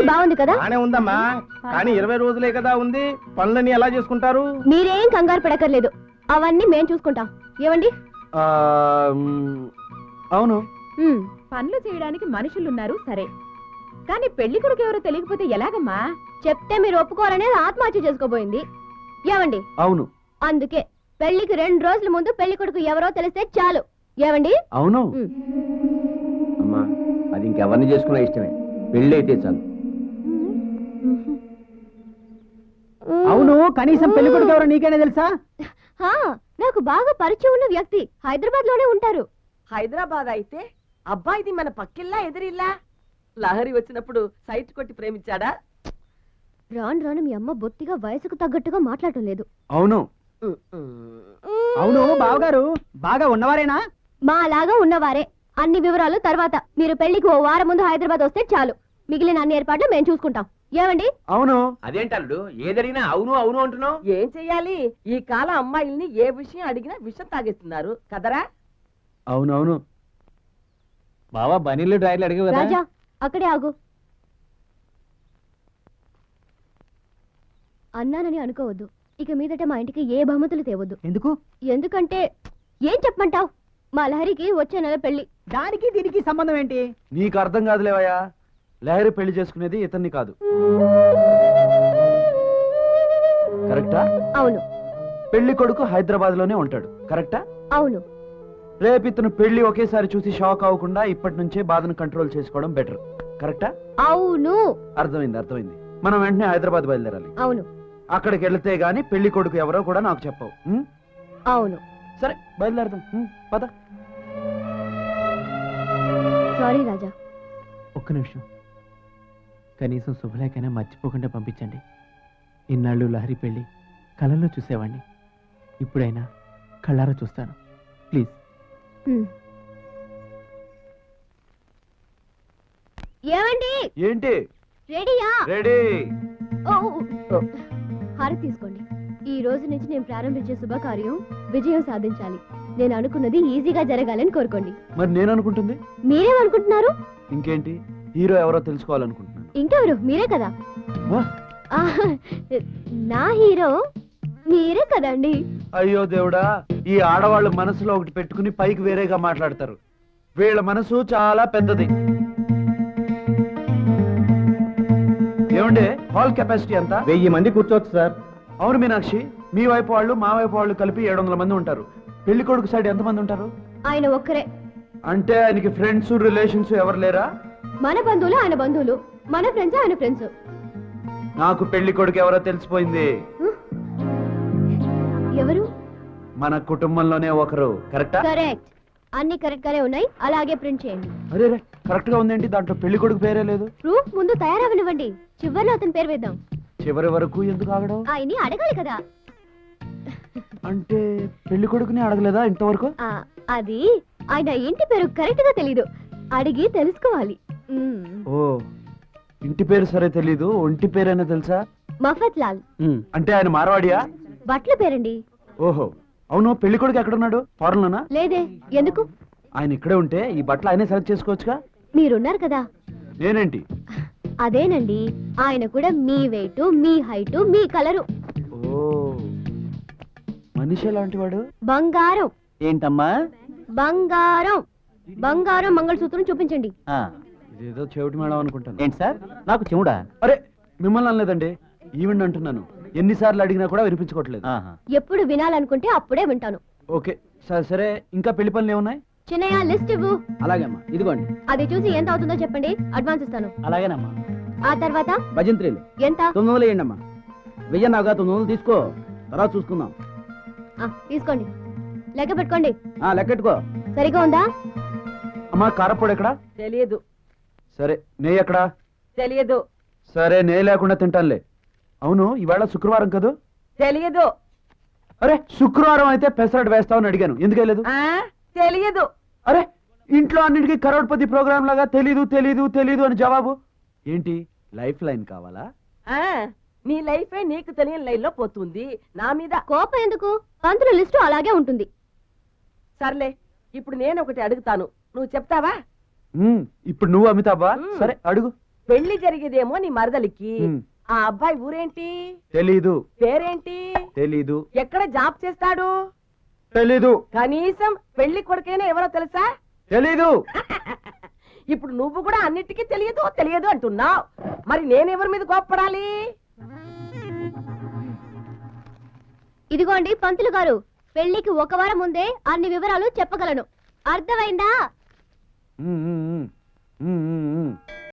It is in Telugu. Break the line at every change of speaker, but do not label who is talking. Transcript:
బాగుంది కదా?
బానే ఉందమ్మా, కానీ 20 రోజులే కదా ఉంది. పనులన్నీ ఎలా చేసుకుంటారు?
మీరేం కంగారు పడక్కర్లేదు, అవన్నీ మేం చూసుకుంటాం. ఏమండి?
అవును,
పనులు చేయడానికి మనుషులున్నారు సరే, కానీ పెళ్లి కొడుకు ఎవరో తెలియకపోతే ఎలాగమ్మా?
చెప్తే మీరు ఒప్పుకోరనేది ఆత్మహత్య చేసుకోబోయింది. ఏమండి?
అవును.
అందుకే పెళ్లికి 2 రోజుల ముందు పెళ్లి కొడుకు ఎవరో తెలిస్తే చాలు. ఏమండి?
అవును అమ్మా, అది ఇంకెవరిని చేసుకున్నా ఇష్టమే, పెళ్లి అయితే చాలు.
అవును, కనీసం పెళ్లి కొడుకు ఎవరో నీకైనా తెలుసా?
నాకు బాగా పరిచయం ఉన్న వ్యక్తి, హైదరాబాద్ లోనే ఉంటారు.
హైదరాబాద్ అయితే అబ్బాయిది మన పక్కిల్లా ఎదిరిల్లా? లహరి వచ్చినప్పుడు సైట్ కొట్టి ప్రేమించాడా?
రాను రాను మీ అమ్మ బొత్తిగా వయసుకు తగ్గట్టుగా మాట్లాడటం లేదు.
అవును.
అవును బావగారు బాగా ఉన్నవారేనా?
మా అలాగా ఉన్నవారే. అన్ని వివరాలు తర్వాత. మీరు పెళ్లికి ఓ వారం ముందు హైదరాబాద్ వస్తే చాలు, మిగిలిన అన్ని ఏర్పాట్లు మేము చూసుకుంటాం. ఏమండి?
అవును.
అదేంటల్లుడు ఏదడిగినా అవును అవును అంటున్నావు?
ఏం చెయ్యాలి, ఈ కాలం అమ్మాయిల్ని ఏ విషయం అడిగినా విషం తాగేస్తున్నారు కదరా?
అవునవును.
బావా బనీళ్ళు డ్రైర్లు అడిగి
రాజా, అక్కడే ఆగు. అన్నానని అనుకోవద్దు, ఇక మీదట మా ఇంటికి ఏ బహుమతులు తేవద్దు.
ఎందుకు?
ఎందుకంటే ఏం చెప్పమంటావు, మా లహరికి వచ్చే నెల పెళ్లి.
దానికి దీనికి సంబంధం ఏంటి?
నీకు అర్థం కాదులేవయ్యా, లహరి పెళ్లి చేసుకునేది ఇతన్ని కాదు. కరెక్టా?
అవును.
పెళ్లి కొడుకు హైదరాబాద్ లోనే ఉంటాడు. కరెక్టా?
అవును.
రేపు ఇతను పెళ్లి ఒకేసారి చూసి షాక్ అవ్వకుండా ఇప్పటి నుంచే బాధను కంట్రోల్ చేసుకోవడం బెటర్. కరెక్టా?
అవును.
అర్థమైంది. మనం వెంటనే హైదరాబాద్ బయలుదేరాలి.
అవును.
అక్కడికి వెళ్తే గానీ పెళ్లి కొడుకు ఎవరో కూడా నాకు చెప్పవు.
అవును.
సరే బయలుదేరదాం, పద.
సారీ రాజా.
ఒక్క నిమిషం, కనీసం శుభలేఖైనా మర్చిపోకుండా పంపించండి. ఇన్నాళ్ళు లహరి పెళ్లి కళల్లో చూసేవాణ్ణి, ఇప్పుడైనా కళ్ళారా చూస్తాను. ప్లీజ్.
ఏమండి?
ఏంటి?
రెడీయా?
రెడీ.
హారతి తీసుకోండి. ఈ రోజు నుంచి నేను ప్రారంభించే శుభకార్యం విజయం సాధించాలి. నేను అనుకున్నది ఈజీగా జరగాలని కోరుకోండి.
మరి నేను అనుకుంటుంది?
మీరేమనుకుంటున్నారు?
ఇంకేంటి, హీరో ఎవరో తెలుసుకోవాలనుకుంటున్నాను.
ఇంకెవరు? మీరే కదా. నా హీరో మీరే కదండి.
అయ్యో దేవుడా, ఈ ఆడవాళ్ళు మనసులో ఒకటి పెట్టుకుని పైకి వేరేగా మాట్లాడతారు. వీళ్ళ మనసు చాలా పెద్దది. ఏమంటే హాల్ కెపాసిటీ ఎంత?
1000 మంది కూర్చోవచ్చు సార్.
అవును మీనాక్షి, మీ వైపు వాళ్ళు మా వైపు వాళ్ళు కలిపి 700 మంది ఉంటారు. పెళ్లి కొడుకు సైడ్ ఎంతమంది ఉంటారు?
ఆయన ఒక్కరే.
అంటే ఆయనకి ఫ్రెండ్స్ రిలేషన్స్ ఎవరు లేరా?
మన బంధువులు ఆయన బంధువులు, మన ఫ్రెండ్స్ ఆయన ఫ్రెండ్స్.
నాకు పెళ్లి కొడుకు ఎవరో తెలిసిపోయింది.
ఎవరు?
మన కుటుంబంలోనే ఒకరు. కరెక్టా?
కరెక్ట్. అన్ని కరెక్ట్ గానే ఉన్నాయి, అలాగే ప్రింట్ చేయండి.
అరే కరెక్ట్ గా ఉందేంటి, దాంట్లో పెళ్లి కొడుకు పేరే లేదు.
ప్రూఫ్ ముందు తయారవనివ్వండి, చివరిలో అతని పేరు వేద్దాం.
చివరి వరకు ఎందుకు ఆగడం?
ఆయన్ని అడగాలి కదా.
అంటే పెళ్లి కొడుకుని అడగలేదా ఇంతవరకు?
అది ఆయన ఇంటి పేరు కరెక్ట్ గా తెలీదు, అడిగి తెలుసుకోవాలి.
ఓ, ఇంటి పేరు సరే తెలీదు, ఒంటి పేరైనా తెలుసా?
మఫత్ లాల్.
అంటే ఆయన మార్వాడియా?
బట్ల పేరండి.
ఓహో, అవును. పెళ్లి కొడుకు ఎక్కడున్నాడు? ఫారెన్ లోనా?
లేదే. ఎందుకు?
ఆయన ఇక్కడే ఉంటే ఈ బట్టలు ఆయనే సెలెక్ట్ చేసుకోవచ్చుగా.
మీరున్నారు కదా.
నేనేంటి?
అదేనండి, ఆయన కూడా మీ వెయిట్, మీ హైట్, మీ కలరు.
ఓ, మనిషి ఎలాంటి వాడు?
బంగారం.
ఏంటమ్మా?
బంగారం. బంగారం మంగళసూత్రం చూపించండి.
ఇదేదో చెవిటి మేడం అనుకుంటాను.
ఏంటి సార్, నాకు చెవుడా?
అరే మిమ్మల్ని అనలేదండి, ఈవెంట్ అంటున్నాను. ఎన్నిసార్లు అడిగినా కూడా వినిపించుకోవట్లేదు.
ఎప్పుడు వినాలనుకుంటే అప్పుడే వింటాను.
ఓకే సరే, ఇంకా పెళ్లి పనులు ఏమున్నాయి?
చిన్నయ్య లిస్ట్ ఇవ్వు.
అలాగేమ్మా, ఇదిగోండి.
అది చూసి ఎంత అవుతుందో చెప్పండి, అడ్వాన్స్ ఇస్తాను.
అలాగేనమ్మా.
ఆ తర్వాత
భజంత్రీలు
ఎంత?
900 వేయండమ్మా. 1000 నాగా 900 తీసుకో, తర్వాత చూసుకుందాం.
తీసుకోండి, లెక్క పెట్టుకోండి.
లెక్కెట్టుకో.
సరిగా ఉందా?
అమ్మా కారపొడి ఎక్కడా?
తెలియదు.
సరే నెయ్యి ఎక్కడా?
తెలియదు.
సరే నెయ్యి లేకుండా తింటానులే. అవును, ఈవేళ శుక్రవారం కదూ?
తెలియదు.
అరే శుక్రవారం అయితే పెసరట్ వేస్తావని అడిగాను, ఎందుకు వేయలేదు?
తెలియదు.
అరే ఇంట్లో అన్నిటికీ కరోడ్పతి ప్రోగ్రామ్ లాగా తెలీదు అని జవాబు ఏంటి? లైఫ్ లైన్ కావాలా?
నీ లైఫే నీకు తెలియని లైన్ లో పోతుంది. నా మీద
కోపం ఎందుకు? పంతుల లిస్టు అలాగే ఉంటుంది.
సర్లే, ఇప్పుడు నేను ఒకటి అడుగుతాను, నువ్వు చెప్తావా?
ఇప్పుడు నువ్వు అమితాబా? సరే అడుగు.
పెళ్లి జరిగేదేమో నీ మరదలికి
ఉమ్.
ఆ అబ్బాయి ఊరేంటి,
తెలీదు
పేరేంటి,
తెలీదు
ఎక్కడ జాబ్ చేస్తాడు,
తెలీదు
కనీసం పెళ్లి కొడుకైనా ఎవరో తెలుసా?
తెలీదు
ఇప్పుడు నువ్వు కూడా అన్నిటికీ తెలియదు తెలియదు అంటున్నావు. మరి నేనెవరి మీద కోప్పడాలి?
ఇదిగోండి పంతులు గారు, పెళ్లికి ఒక వారం ముందే అన్ని వివరాలు చెప్పగలను. అర్థమైందా?
ఉమ్, ఉమ్, ఉమ్. ఉమ్, ఉమ్, ఉమ్.